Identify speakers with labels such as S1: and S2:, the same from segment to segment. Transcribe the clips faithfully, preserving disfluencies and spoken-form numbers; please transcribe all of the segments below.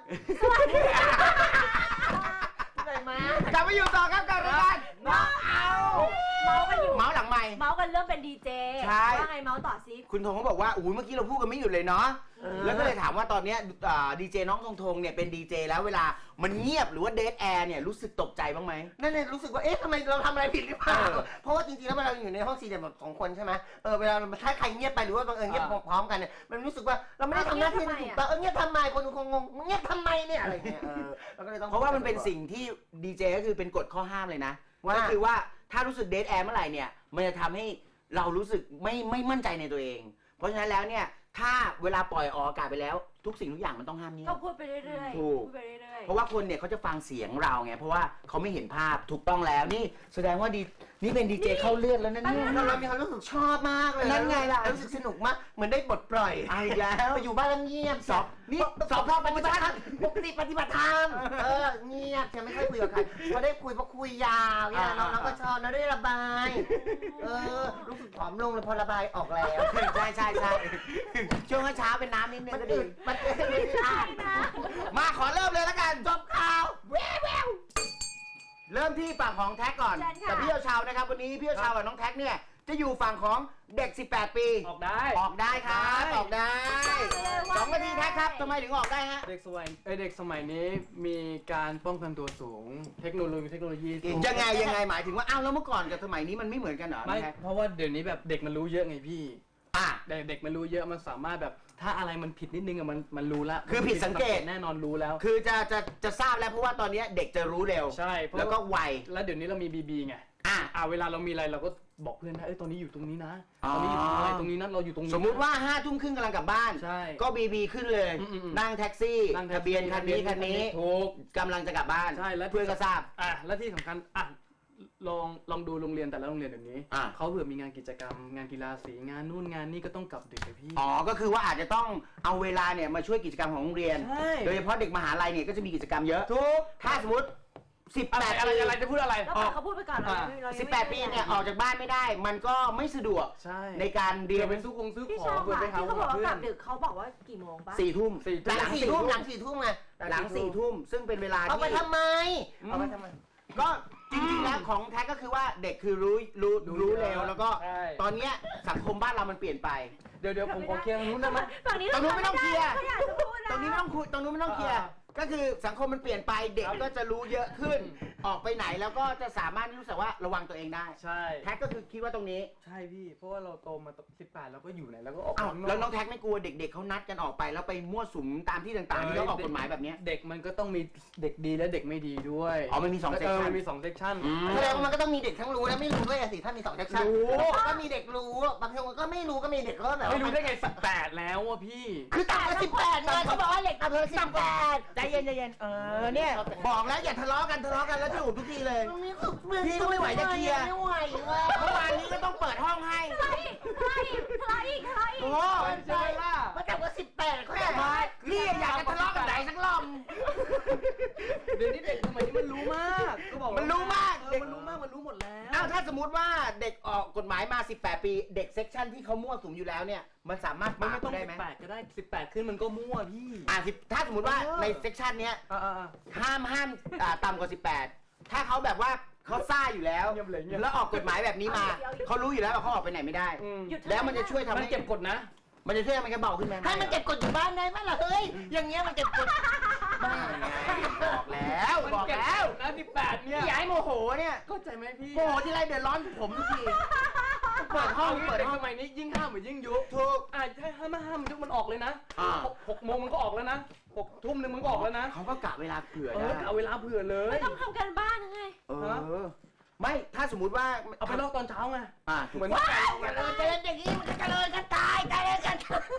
S1: สวัสดีค่ะไหนมากลับมาอยู่ต่อครับกับรายการเมาเอาเมากันอยู่เมาหลังไมค์เมากันเรื่องเป็นดีเจว่าไงเมาต่อซิคุณธงเขาบอกว่าอุ้ยเมื่อกี้เราพูดกันไม่หยุดเลยเนาะแล้วก็เลยถามว่าตอนนี้ดีเจน้องธงธงเนี่ยเป็นดีเจแล้วเวลามันเงียบหรือว่าเดทแอร์เนี่ยรู้สึกตกใจบ้างไหมนั่นเนี่ยรู้สึกว่าเอ๊ะทำไมเราทำอะไรผิดหรือเปล่าเพราะว่าจริงๆแล้วเวลาเราอยู่ในห้องสี่เหลี่ยมแบบสองคนใช่ไหมเออเวลาถ้าใครเงียบไปหรือว่าบังเอิญเงียบพร้อมกันเนี่ยมันรู้สึกว่าเราไม่ได้ทำหน้าที่ถูกต้องเออเงียบทำไมคนคงงงเงียบทำไมเนี่ยอะไรเงี้ยเออเราก็เลยต้องเพราะว่ามันเป็นสิ่งที่ดีเจก็คือเป็นกฎข้อห้ามเลยนะก็คือว่าถ้ารู้สึกเดทแอร์เมื่อไหร่เนี่ยมันจะทำให้เรารู้สึกไม่ไม่มั่นใจในตัวเองเพราะฉะนั้นแล้วเนี่ยถ้าเวลาปล่อยออกอากาศไปแล้วทุกสิ่งทุกอย่างมันต้องห้ามเงียบ
S2: ก็พูดไปเรื่อยๆ
S1: ถูกเพราะว่าคนเนี่ยเขาจะฟังเสียงเราไงเพราะว่าเขาไม่เห็นภาพถูกต้องแล้วนี่แสดงว่าดีนี่เป็นดีเจเข้าเลือดแล้วนั่นนี่เรามีความรู้สึกชอบมากเลยนั่นไงล่ะรู้สึกสนุกมากเหมือนได้บทปล่อยอีกแล้วอยู่บ้านเงียบสอบนี่สอบรอบปฏิบัติธรรมปกติปฏิบัติธรรมเออเงียบจะไม่ค่อยคุยกับใครพอได้คุยพอคุยยาวเนี่ยน้องก็ชอบนะได้ระบายเออรู้สึกผอมลงเลยพอระบายออกแล้วใช่ใช่ใช่ช่วงเช้าเป็นน้ำนิดนึงก็ดีมันไม่ได้มาขอเริ่มเลยแล้วกันจบข่าวแววแววเริ่มที่ฝั่งของแท็กก่อนกับพี่เยาวชาวนะครับวันนี้พี่เยาวชาวกับน้องแท็กเนี่ยจะอยู่ฝั่งของเด็กสิบแปดปี
S3: ออกได้
S1: ออกได้ครับออกได้สองนาทีแท็กครับทำไมถึงออกได้ฮะ
S3: เด็กสมัยเด็กสมัยนี้มีการป้องกันตัวสูงเทคโนโลยีเทคโนโลยี
S1: ยังไงยังไงหมายถึงว่าอ้าวแล้วเมื่อก่อนกับสมัยนี้มันไม่เหมือนกันเหรอ
S3: ไม่เพราะว่าเดี๋ยวนี้แบบเด็กมันรู้เยอะไงพี่อ่ะเด็กเด็กมันรู้เยอะมันสามารถแบบถ้าอะไรมันผิดนิดนึงอะมันมันรู้แล้ว
S1: คือผิดสังเกต
S3: แน่นอนรู้แล้ว
S1: คือจะจะจะทราบแล้วเพราะว่าตอนนี้เด็กจะรู้เร็ว
S3: ใช่
S1: แล้วก็ไว
S3: แล้วเดี๋ยวนี้เรามีบีบีไง
S1: อ่ะ
S3: อ่ะเวลาเรามีอะไรเราก็บอกเพื่อนนะเอ้ยตอนนี้อยู่ตรงนี้นะตอนนี้อยู่ตรงอะไรตรงนี้นั่นเราอยู่ตรงนี้
S1: สมมุติว่าห้าทุ่มครึ่งกำลังกลับบ้าน
S3: ใช่
S1: ก็บีบีขึ้นเลยนั่งแท็กซี่ทะเบียนคันนี้คันนี้
S3: ถูก
S1: กำลังจะกลับบ้าน
S3: ใช่แล้ว
S1: เพื่อนก็ทราบ
S3: อ่ะและที่สำคัญอ่ะลองลองดูโรงเรียนแต่ละโรงเรียนแบบนี้เขาเผื่อมีงานกิจกรรมงานกีฬาสีงานนู่นงานนี่ก็ต้องกลับดึกไปพี่
S1: อ๋อก็คือว่าอาจจะต้องเอาเวลาเนี่ยมาช่วยกิจกรรมของโรงเรียนโดยเฉพาะเด็กมหาลัยเนี่ยก็จะมีกิจกรรมเยอะ
S3: ทุก
S1: ถ้าสมมติสิบแปด
S3: อะไรอะไรจะพูดอะไร
S2: เขาพูดไปก่อน
S1: สิบแปดปีเนี่ยออกจากบ้านไม่ได้มันก็ไม่สะดวกในการเรียน
S3: เป็นซื้อคงซื้อของ
S2: เพื่อไปหาที่เขาบอกว่ากลับดึกเขาบอกว่ากี่โมงปะ
S1: สี่ทุ่ม
S3: ห
S1: ลังสี่ทุ่มหลังสี่ทุ่มไงหลังสี่ทุ่มซึ่งเป็นเวลาที่เอาไปทำไมเอาไปทำไมก็จริงๆแล้วของแท้ก็คือว่าเด็กคือรู้รู้รู้เร็วแล้วก็ตอนนี้สังคมบ้านเรามันเปลี่ยนไป
S3: เดี๋ยวเดี๋ยวผมขอเคลียร์ตรงนู้นได้ไหม
S2: ตรงนี้
S1: ตรงนู้นไม่ต้องเคลียร์ตรงนี้ไม่ต้องคุยตรงนู้นไม่ต้องเคลียร์ก็คือสังคมมันเปลี่ยนไปเด็กก็จะรู้เยอะขึ้นออกไปไหนแล้วก็จะสามารถรู้สึกว่าระวังตัวเองได้
S3: ใช่
S1: แท็กก็คือคิดว่าตรงนี้
S3: ใช่พี่เพราะว่าเราโตมาสิบแปดแล้วก็อยู่ไหนแล้วก็ออก
S1: แล้วน้องแท็กไม่กลัวเด็กๆเขานัดกันออกไปแล้วไปมั่วสุมตามที่ต่างๆที่เขาออกกฎหมายแบบนี้
S3: เด็กมันก็ต้องมีเด็กดีและเด็กไม่ดีด้วย
S1: อ๋อมันมีสองเซกชัน
S3: มันมีสองเซกชัน
S1: แสดงว่ามันก็ต้องมีเด็กทั้งรู้และไม่รู้ด้วยสิถ้ามีสองเซกชันรู้ก็มีเด็กรู้บางคนก็ไม่รู้ก็มีเด็กก็แบบ
S3: ไม่รู้ได้ไงสิบแปดแล้วอ่ะพี่
S1: คือต่างกันสิบแปดไงเขาบอกว่าเด็กต่างกันสิบแปดใจเย็นใจเย็นเออเนี่ยบอกแล้วอย่าทะเลาะกันทะเลาะกันแล้วจะอุบทุกทีเลยพี่ก็ไม่ไหวจะเคลียร์ไม่ไหวเลยเมื่อวานนี้ก็ต้องเปิดห้องให้
S2: ใครใครใครใคร
S1: โอ้ใช่ล่ะมาแต่ว่าสิบแปดเขาอยากพี่อยากจะทะเลาะกันไหนสักรอบ
S3: เดี๋ยวนี้เด็กสมัยนี้มันรู้มากก็บอก
S1: มันรู้มาก
S3: เด็กมันรู้มากมันรู้หมดแล้ว
S1: อ้าวถ้าสมมติว่าเด็กออกกฎหมายมาสิบแปดปีเด็กเซกชันที่เขามั่วสุมอยู่แล้วเนี่ยมันสามารถ
S3: ไม่ต้องสิบแปดก็ได้สิบแปดขึ้นมันก็มั่วพี่
S1: อ่าถ้าสมมติว่าในเซกชันเนี้ยห้ามห้ามต่ำกว่าสิบแปดถ้าเขาแบบว่าเขาซ่าอยู่แล้วแล้วออกกฎหมายแบบนี้มาเขารู้อยู่แล้วว่าเขาออกไปไหนไม่ได้แล้วมันจะช่วยทำให้
S3: เก็บกดนะ
S1: มันจะช่วยให้มันเบาขึ้นไหมให้มันเก็บกดอยู่บ้านได้ไหมล่ะเฮ้ยอย่างเงี้ยมันเก็บกดบอกแล้วบอกแล้ว
S3: นะสิบแปดเนี่ย
S1: ย้ายโมโหเนี่ย
S3: เข้าใจไหมพี่
S1: โมโหที่ไรเดือดร้อนผมทุกทีเปิดห้อง
S3: เปิดห้องสมัยนี้ยิ่งห้ามเหมือนยิ่งยุบ
S1: ถูก
S3: อ่าถ้าห้ามห้ามยุบมันออกเลยนะหกโมงมันก็ออกแล้วนะหกทุ่มนึงมันก็ออกแล้วนะ
S1: เขาก็กะเวลาเผื่อ
S3: นะกะเวลาเผื่อเลย
S2: ไม่ต้องทำการบ้านไง
S1: เออไม่ถ้าสมมุติว่า
S3: เอาไปลอกตอนเช้าไง
S1: อ่าเหมือนว่าเจริญเจริญอย่างนี้มันก็เจริญกันตายตายกัน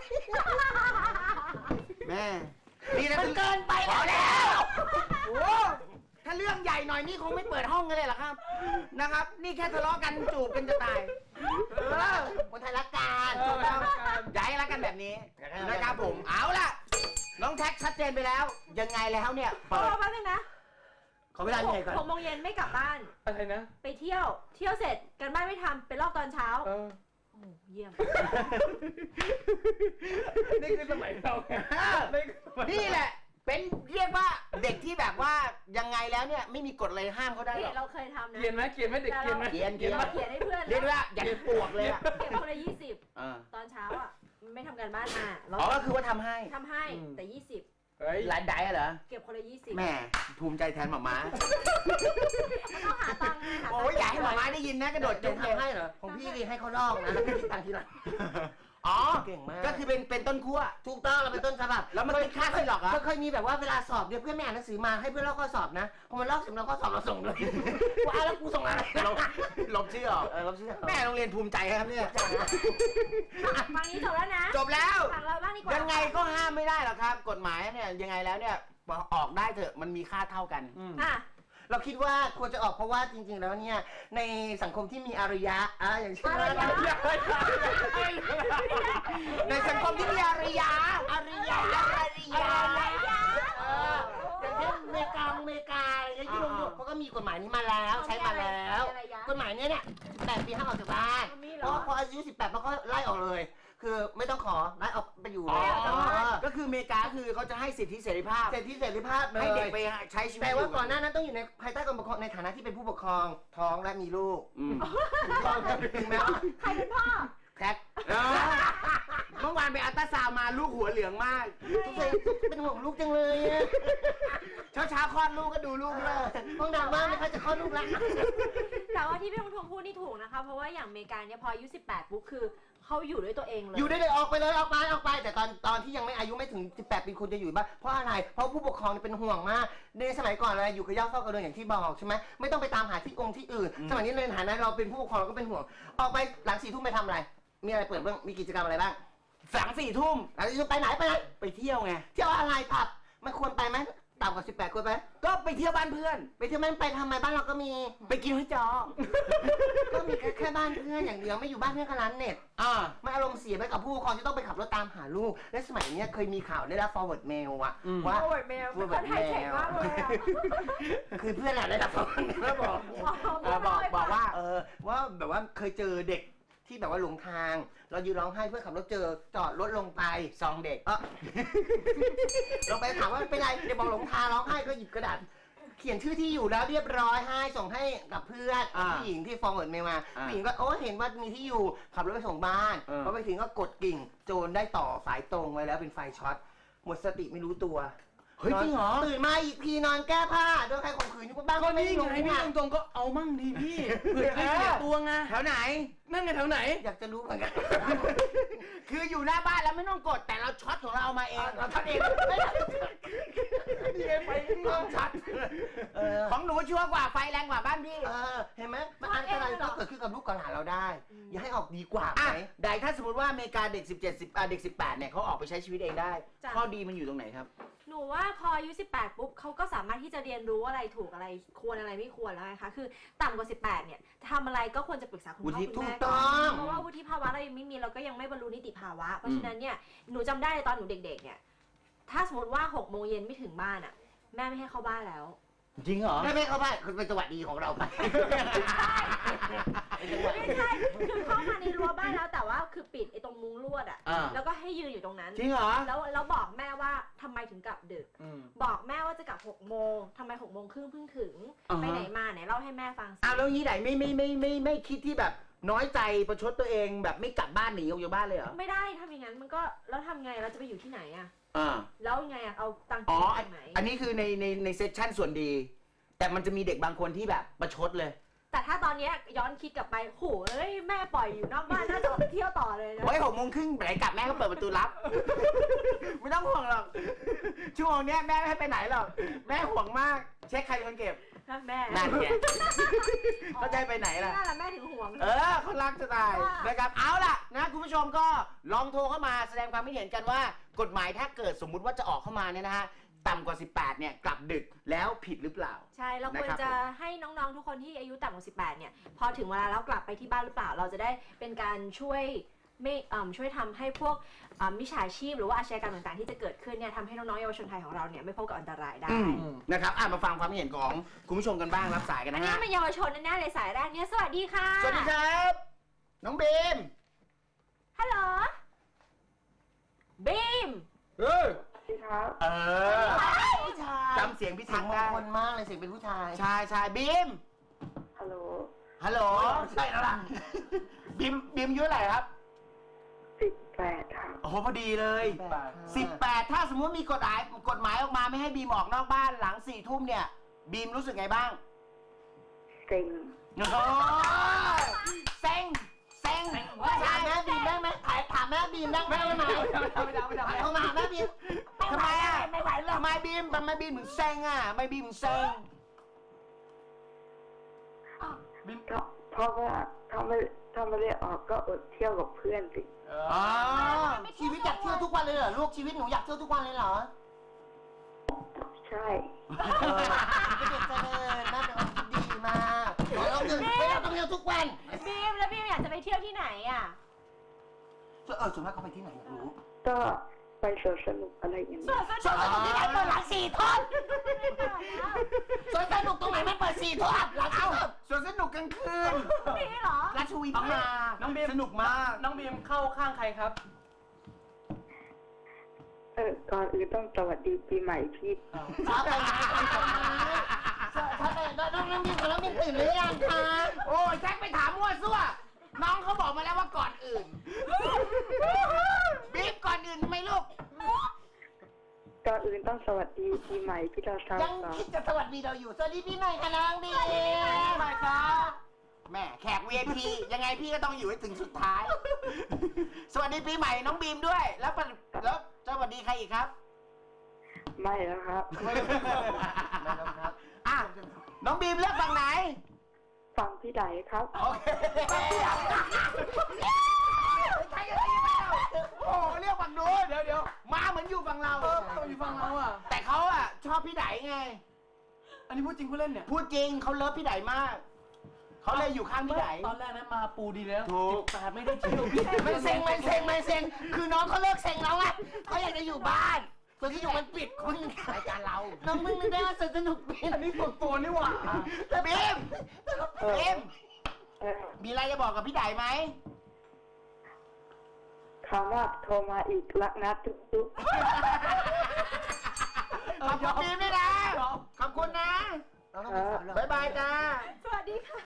S1: แม่นี่นะมันเกินไปแล้วโอ้ถ้าเรื่องใหญ่หน่อยนี่คงไม่เปิดห้องกันเลยหรอครับนะครับนี่แค่ทะเลาะกันจูบกันจะตายเออคนไทยรักกันย้ายรักกันแบบนี้นะครับผมเอาล่ะน้องแท็กชัดเจนไปแล้วยังไงแล้วเนี่ย
S2: เปิดแป๊บนึงนะ
S1: ขอเวลาเหนื่อยก่อน
S2: หกโมงเย็นไม่กลับบ้าน
S3: อะไรนะ
S2: ไปเที่ยวเที่ยวเสร็จกันบ้านไม่ทำไปลอกตอนเช้าโอ้เยี่ยม
S3: นี่คือสมัยเรา
S1: นี่แหละเป็นเรียกว่าเด็กที่แบบว่ายังไงแล้วเนี่ยไม่มีกฎอะไรห้ามเขาได้หรอก
S2: เราเคยทำนะ
S3: เขียนไหมเขียนไหมเด็กเขียนไหม
S1: เขียน
S2: เขียนเขียนให้เพื่อน
S1: เรียกว่าอย่าปวกเลยอะ
S2: เก็บคนละยี่สิบ
S1: อ่า
S2: ตอนเช้าอ่ะไม่ทำการบ้านมาเรา
S1: อ๋อก็คือว่าทำให้
S2: ทำให้แต่ยี่สิบ
S3: เฮ้ย
S1: หลานไดอะเหรอ
S2: เก็บคนละยี่สิบ
S1: แหม่ภูมิใจแทนหมาม้า
S2: มันต้องหาตังค์ไงหาตังค์
S1: โอ้ยอย่าให้หมาม้าได้ยินนะกระโดดจุ๊บเลย
S4: ทำให้เหรอของพี่ดีให้เขาลอกนะแล้วพี่คิดตังค์ทีหลัง
S1: อ๋อ
S4: เก่งมาก
S1: ก็คือเป็นเป็นต้นขั้ว
S4: ถูกต้องเราเป็นต้นฉบับ
S1: แล้วมันคิดค่าซีหลอกเหรอ
S4: เคยมีแบบว่าเวลาสอบเนี่ยเพื่อนไม่อ่านหนังสือมาให้เพื่อนลอกข้อสอบนะพอมันลอกเสร็จแล้วข้อสอบเราส่งเลยว่าแล้วกูส่งอะไร
S1: ลบลบชื่อออก
S4: เออลบชื่อ
S1: แม่โรงเรียนภูมิใจครับเนี่ย
S2: ฟังนี้จบแล้วนะ
S1: จบแล้ว
S2: ฟังเราบ้างดีกว่า
S1: ยังไงก็ห้ามไม่ได้หรอกครับ กฎหมายเนี่ยยังไงแล้วเนี่ยออกได้เถอะมันมีค่าเท่ากัน
S2: อ่ะ
S4: เราคิดว่าควรจะออกเพราะว่าจริงๆแล้วเนี่ยในสังคมที่มีอารยะอ่ะอย่างเช่น
S2: อารยะ
S1: ในสังคมที่มีอารยะอารยะอารยะ
S4: เอออย่างเช่นอเมริกาอเมริกาอะไรอย่างเงี้ยที่ลงยุโรปเขาก็มีกฎหมายนี้มาแล้วใช้มาแล้วกฎหมายเนี้ยเนี่ยแปดปีห้ามออกจากบ้านเพราะพออายุสิบแปดมันก็ไล่ออกเลย คือไม่ต้องขอไล่ออกไปอยู่
S1: อ๋อ
S4: แล้ว
S1: ก็คืออเมริกาคือเขาจะให้สิทธิเสรีภาพ
S4: เสร็จที่เสรีภาพเลย
S1: ให้เด็กไปใช้ชีวิต
S4: แต่ว่าก่อนหน้านั้นต้องอยู่ในภายใต้การปกครองในฐานะที่เป็นผู้ปกครองท้องและมีลูก
S1: อืม
S4: ท้องถึงแม้ว่า
S2: ใครเป็นพ่อ
S4: แท็ก
S1: เออเมื่อวานไปอัลตราซาวน์มาลูกหัวเหลืองมาก
S4: ทุกคนเป็นห่วงลูกจังเลยอะ
S1: เช้าเช้าๆคลอดลูกก็ดูลูกเลย
S4: ห้องน้ำว่างไหมคะจะคลอดลูกแล้ว
S2: แต่ว่าที่พี่ทงทงพูดนี่ถูกนะคะ เพราะว่าอย่างอเมริกาเนี่ยพออายุสิบแปดปุ๊บคือเขาอยู่ด้วยตัวเองเลย
S4: อยู่ได้เลยออกไปเลยออกไปออกไป แต่ตอนตอนที่ยังไม่อายุไม่ถึงสิบแปดปีคุณจะอยู่บ้านเพราะอะไรเพราะผู้ปกครองเป็นห่วงมากในสมัยก่อนอะไรอยู่กับย่าเฝ้ากระเดือนอย่างที่บอกใช่ไหมไม่ต้องไปตามหาที่องค์ที่อื่น สมัยนี้ในฐานะเราเป็นผู้ปกครองเราก็เป็นห่วงออกไปหลังสี่ทุ่มไปทำอะไร มีอะไรเปิดบ้างมีกิจกรรมอะไรบ้าง
S1: สามสี่ทุ่ม
S4: หลังสี่ทุ่มไปไหนไปไหน
S1: ไปเที่ยวไง
S4: เที่ยวอะไรผับมันควรไปไหมต่ำกว่าสิบแปดควรไป
S1: ก็ไปเที่ยวบ้านเพื่อน
S4: ไปเที่ยวมันไปทำไมบ้านเราก็มี
S1: ไปกินห้อยจอ
S4: ก็มีแค่แค่บ้านเพื่อนอย่างเดียวไม่อยู่บ้านเพื่อนกับร้านเน็ต
S1: อ่า
S4: ไม่อารมณ์เสียไปกับผู้ปกครองที่ต้องไปขับรถตามหาลูก และสมัยเนี้ยเคยมีข่าวได้รับ forward mail อะ
S1: อืม
S4: ว่า
S2: โอ้ยแมวเป็นคนไทยเก่งมากเลยอะ
S4: คือเพื่อนอะได้รับ forward mail แล้วบอก
S1: เออบอกบอกว่า
S4: เออว่าแบบว่าเคยเจอเด็กที่แบบว่าหลงทาง เรายืนร้องไห้เพื่อนขับรถเจอจอดรถลงไป
S1: ซองเด็ก
S4: เออ ลงไปถามว่าเป็นไรเดี๋ยวบอกหลงทางร้องไห้ก็หยิบกระดาษเขียนชื่อที่อยู่แล้วเรียบร้อยให้ส่งให้กับเพื่อน
S1: อ่า
S4: ผู้หญิงที่ forward mail มา
S1: อ่า
S4: ผู้หญิงก็โอ้เห็นว่ามีที่อยู่ขับรถไปส่งบ้าน
S1: เออ
S4: พอไปถึงก็กดกิ่งโจรได้ต่อสายตรงไว้แล้วเป็นไฟช็อตหมดสติไม่รู้ตัว
S1: เฮ้ยจริงเหรอ
S4: ตื่นมาอีกทีนอนแก้ผ้าโดนใครข่มขืนอยู่บ้าน
S3: ก็
S4: ก็ไม่
S3: นี่
S4: รู้
S3: ไงพี่
S4: อะ
S3: ตรงๆก็เอามั่งดีพี่เผื่อได้เสียตัวไง
S1: แถวไหน
S3: นั่นไงแถวไหน
S4: อยากจะรู้เหมือนกัน
S1: คืออยู่หน้าบ้านแล้วไม่ต้องกดแต่เราช็อตของเราเอามาเอง
S4: เราทำเองไม่ได้
S1: นี่ไงไฟต้องช็อต
S4: เออ
S1: ของหนูชัวร์กว่าไฟแรงกว่าบ้านพี่
S4: เออเห็นไหมมันอันตรายก็เกิดขึ้นกับลูกกับหลานเราได้ อย่าให้ออกดีกว่าไห
S1: อ่ะ
S4: ม
S1: ได้ถ้าสมมติว่าอเมริกาเด็กสิบเจ็ด สิบอ่ะเด็กสิบแปดเนี่ยเขาออกไปใช้ชีวิตเองได้
S2: จ้ะ
S1: ข้อดีมันอยู่ตรงไหนครับ
S2: หนูว่าพออายุสิบแปดปุ๊บเขาก็สามารถที่จะเรียนรู้อะไรถูกอะไรควรอะไรไม่ควรแล้วนะคะคือต่ำกว่าสิบแปดเนี่ยทำอะไรก็ควรจะปรึกษาคุณพ่อ
S1: วุฒิ
S2: คุณแม่
S4: ถูกต้
S2: ก่อ
S4: อง
S2: นเพราะว่าวุฒิภาวะเรายังไม่มีเราก็ยังไม่บรรลุนิติภาวะเพราะฉะนั้นเนี่ยหนูจำได้ตอนหนูเด็กๆเนี่ยถ้าสมมติว่าหกโมงเย็นไม่ถึงบ้านอ่ะแม่ไม่ให้เข้าบ้านแล้ว
S1: จริงเหรอ
S4: ไม่ไม่เข้าบ้านคือเป็นจังหวะดีของเราไป
S2: ไม่ใช่คือเข้ามาในรั้วบ้านแล้วแต่ว่าคือปิดไอ้ตรงมุ้งลวดอ่ะ
S1: อ่า
S2: แล้วก็ให้ยืนอยู่ตรงนั้น
S1: จริงเหรอ
S2: แล้วแล้วบอกแม่ว่าทำไมถึงกลับดึก
S3: อืม
S2: บอกแม่ว่าจะกลับหกโมงทำไมหกโมงครึ่งเพิ่งถึง
S1: อ่าฮะ
S2: ไปไหนมาไหนเล่าให้แม่ฟังสิ
S1: อ้าวแล้วงี้ไหนไม่ไม่ไม่ไม่ไม่คิดที่แบบน้อยใจประชดตัวเองแบบไม่กลับบ้านหนีออกจากบ้านเลยเหรอ
S2: ไม่ได้ทำอย่างนั้นมันก็แล้วทำไงเราจะไปอยู่ที่ไหนอะ
S1: อ่า
S2: แล้วไงอะเอาตังค์
S1: อ๋อ
S2: จากไหน
S1: อันนี้คือในในในเซสชั่นส่วนดี แต่มันจะมีเด็กบางคนที่แบบประชดเลย
S2: แต่ถ้าตอนเนี้ยย้อนคิดกลับไปโหเอ้ยแม่ปล่อยอยู่นอกบ้านน่าจะออกไปเที่ยวต่อเลยนะ
S1: ไว้หกโมงครึ่งไหนกลับแม่ก็เปิดประตูรับ ไม่ต้องห่วงหรอกชั่วโมงเนี้ยแม่ไม่ให้ไปไหนหรอกแม่ห่วงมากเช็คใครเป็นคนเก็บ
S2: แม่
S1: นั่นไงเขาจะให้ไปไหนล่ะ
S2: นั่นแหละแม่ถึงห่วง
S1: เออเขารักจะตายนะครับเอาล่ะนะคุณผู้ชมก็ลองโทรเข้ามาแสดงความคิดเห็นกันว่ากฎหมายถ้าเกิดสมมุติว่าจะออกเข้ามาเนี่ยนะฮะต่ำกว่าสิบแปดเนี่ยกลับดึกแล้วผิดหรือเปล่า
S2: ใช่เราควร
S1: นะครับ
S2: จะให้น้องๆทุกคนที่อายุต่ำกว่าสิบแปดเนี่ยพอถึงเวลาแล้วกลับไปที่บ้านหรือเปล่า เราจะได้เป็นการช่วยไม่เอ่อช่วยทำให้พวกเอ่อมิจฉาชีพหรือว่าอาชญากรรมต่างๆที่จะเกิดขึ้นเนี่ยทำให้น้องๆเยาวชนไทยของเราเนี่ยไม่พบกับอันตรายได้
S1: อืมนะครับอ่ะมาฟังความคิดเห็นของคุณผู้ชมกันบ้างรับสายกัน
S2: อัน
S1: นะ
S2: นี้
S1: ฮะ
S2: เป็นเยาวชนแน่ๆเลยสายแรกเนี่ยสวัสดีค่ะ
S1: สวัสดีครับน้องบีม
S2: ฮัลโหลบีม
S3: เฮ้ย
S1: เออำเสียงพี่
S4: เสีย
S1: ทั
S4: ง
S1: ก
S4: มง
S1: ได้
S4: คลมากเลยเสียงเป็นผู้ชาย
S1: ใช่ใช่บีม
S5: ฮัลโหล
S1: ฮัลโหลใช่แล้วล่ะบีมบีมอายุเท่าไหร่ครับ
S5: สิบแปดครับ
S1: โอ้โหพอดีเลยสิบแปดถ้าสมมติมีกฎหมายกฎหมายออกมาไม่ให้บีมออกนอกบ้านหลังสี่ทุ่มเนี่ยบีมรู้สึกไงบ้าง
S5: เซ็ง
S1: โอ้โหเซ็งเซ็ง
S4: ถามแม่บีมได้ไหมถามแม่บีมได้ไหมไม่ได้ไม่ได้ไม่ได้โทรมาแม่บีม
S1: ทำไมอ่ะไม่ไหวเลยทำไมบีมทำไมบีมถึงเซ็งอ่ะไม่บีมถึงเซ็ง
S5: ก็เพราะว่าถ้าไม่ถ้าไม่ได้ออกก็อดเที่ยวกับเพื่อนสิ
S1: อ๋อ
S4: ชีวิตอยากเที่ยวทุกวันเลยเหรอลูกชีวิตหนูอยากเที่ยวทุกวันเลยเหรอ
S5: ใช่
S4: เออเป็นเด็กเจริญแม่เป็นคนดีมากเราต้องไม่เราต้องเที่ยวทุกวัน
S2: บีมแล้วบีมอยากจะไปเที่ยวที่ไหนอ่ะ
S4: เออส่วนมากเขาไปที่ไหนอยากรู้
S5: ก็ไปสวนสนุกอะไรอย่างเงี้ย
S4: สวนสนุกที่ไหนเปิดหลังสี่ทุ่มสวนสนุกตรงไหนไม่เปิดสี่ทุ่มหลัง
S1: เอ้า
S4: เอ้า
S1: สวนสนุกกลางคืน
S2: นี่เหรอ
S1: ราชวีมา
S3: น้องบีม
S1: สนุกมาก
S3: น้องบีมเข้าข้างใครครับ
S5: เออก่อนอื่นต้องสวัสดีปีใหม่พี่
S4: ช้าไปช้าไปน้องน้องบินกับน้องบินตื่นหรือยังคะ
S1: โอ้ยแจ็คไปถามมั่วซั่วน้องเขาบอกมาแล้วว่าก่อนอื่นบีบก่อนอื่นทำไมลูก
S5: ก่อนอื่นต้องสวัสดีปีใหม่พี่เราทราบ
S4: ยัง
S5: ก่อน
S4: คิดจะสวัสดีเราอยู่สวัสดีพี่ใหม่ค่ะน้องบิน
S1: ใช่ครับแม่แขก วี ไอ พี ยังไงพี่ก็ต้องอยู่ให้ถึงสุดท้าย สวัสดีปีใหม่น้องบีมด้วย แล้วปะแล้วสวัสดีใครอีกครับ
S5: ไม่แล้วครับ
S1: อ่ะน้องบีมเลือกฝั่งไหน
S5: ฟังพี่ไดครับ
S1: โอเคใช่ยังไงยังไงโอ้เรียกฝั่งนู้นเดี๋ยวเดี๋ยวมาเหมือนอยู่ฝั่งเรา
S3: เอออยู่ฝั่งเราอ่ะ
S1: แต่เขาอ่ะชอบพี่ไดไง
S3: อันนี้พูดจริงพูดเล่นเนี่ย
S1: พูดจริงเขาเลิฟพี่ไดมาก เขาเลยอยู่ข้างพี่ได
S3: ตอนแรกนะมาปูดีแล้ว
S1: ถูก
S3: แต่ไม่ได้เที่ยวพี่
S4: มันเซ็งมันเซ็งมันเซ็งคือน้องเขาเลิกเซ็งแล้วไงเขาอยากจะอยู่บ้านส่วนที่อยู่มันปิดคุณรายการเราน้องมึงนึกได้ว่าสนุกบิน
S3: อันนี้ส่วนตัวนี่หว่า
S1: บีมบีม
S5: เออ
S1: มีอะไรจะบอกกับพี่ไดไหม
S5: คำว่าโทรมาอีกรักนะจุ๊บจุ๊บ
S1: ขอบคุณบีมด้วยนะ ขอบคุณนะ บ๊ายบายจ้า
S2: สวัสดีค่ะ